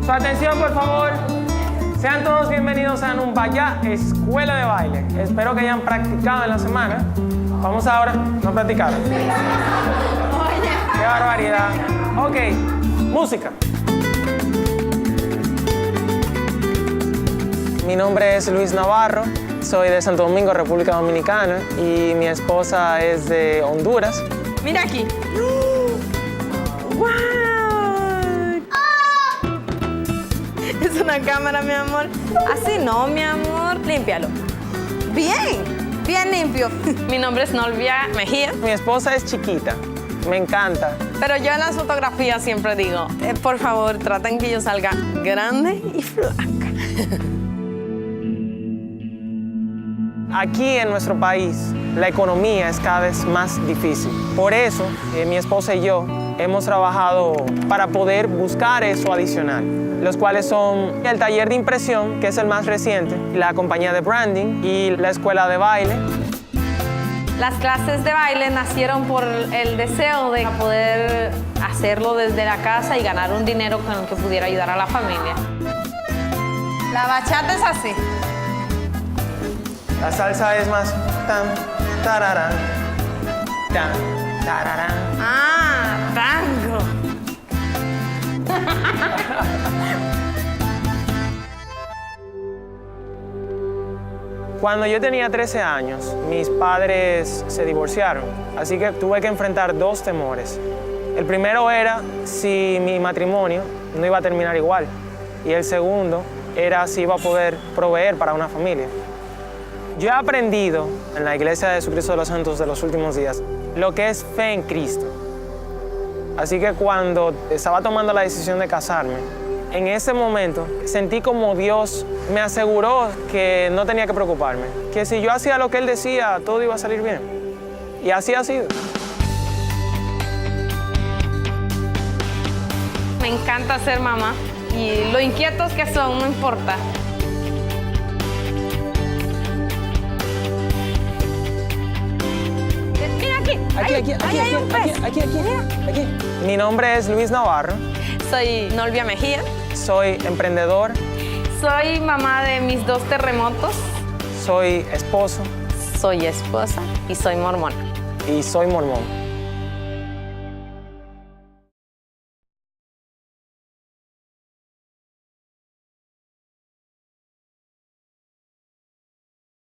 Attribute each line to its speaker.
Speaker 1: Su atención, por favor. Sean todos bienvenidos a Numbaya Escuela de Baile. Espero que hayan practicado en la semana. Vamos ahora, no practicaron. ¡Qué barbaridad! Ok, música. Mi nombre es Luis Navarro, soy de Santo Domingo, República Dominicana, y mi esposa es de Honduras.
Speaker 2: Mira aquí. ¡Wow! Es una cámara, mi amor. Así no, mi amor. Límpialo. Bien, bien limpio. Mi nombre es Nolvia Mejía.
Speaker 1: Mi esposa es chiquita, me encanta.
Speaker 2: Pero yo en las fotografías siempre digo, por favor, traten que yo salga grande y flaca.
Speaker 1: Aquí en nuestro país, la economía es cada vez más difícil. Por eso, mi esposa y yo hemos trabajado para poder buscar eso adicional, los cuales son el taller de impresión, que es el más reciente, la compañía de branding y la escuela de baile.
Speaker 2: Las clases de baile nacieron por el deseo de poder hacerlo desde la casa y ganar un dinero con el que pudiera ayudar a la familia. La bachata es así.
Speaker 1: La salsa es más tan, tararán, tan, tararán.
Speaker 2: Ah, tango.
Speaker 1: Cuando yo tenía 13 años, mis padres se divorciaron, así que tuve que enfrentar dos temores. El primero era si mi matrimonio no iba a terminar igual, y el segundo era si iba a poder proveer para una familia. Yo he aprendido en la Iglesia de Jesucristo de los Santos de los últimos días lo que es fe en Cristo. Así que cuando estaba tomando la decisión de casarme, en ese momento sentí como Dios me aseguró que no tenía que preocuparme, que si yo hacía lo que Él decía, todo iba a salir bien. Y así ha sido.
Speaker 2: Me encanta ser mamá y lo inquietos que son, no importa.
Speaker 1: Aquí. Mi nombre es Luis Navarro.
Speaker 2: Soy Nolvia Mejía.
Speaker 1: Soy emprendedor.
Speaker 2: Soy mamá de mis 2 terremotos.
Speaker 1: Soy esposo.
Speaker 2: Soy esposa y soy mormona.
Speaker 1: Y soy mormón.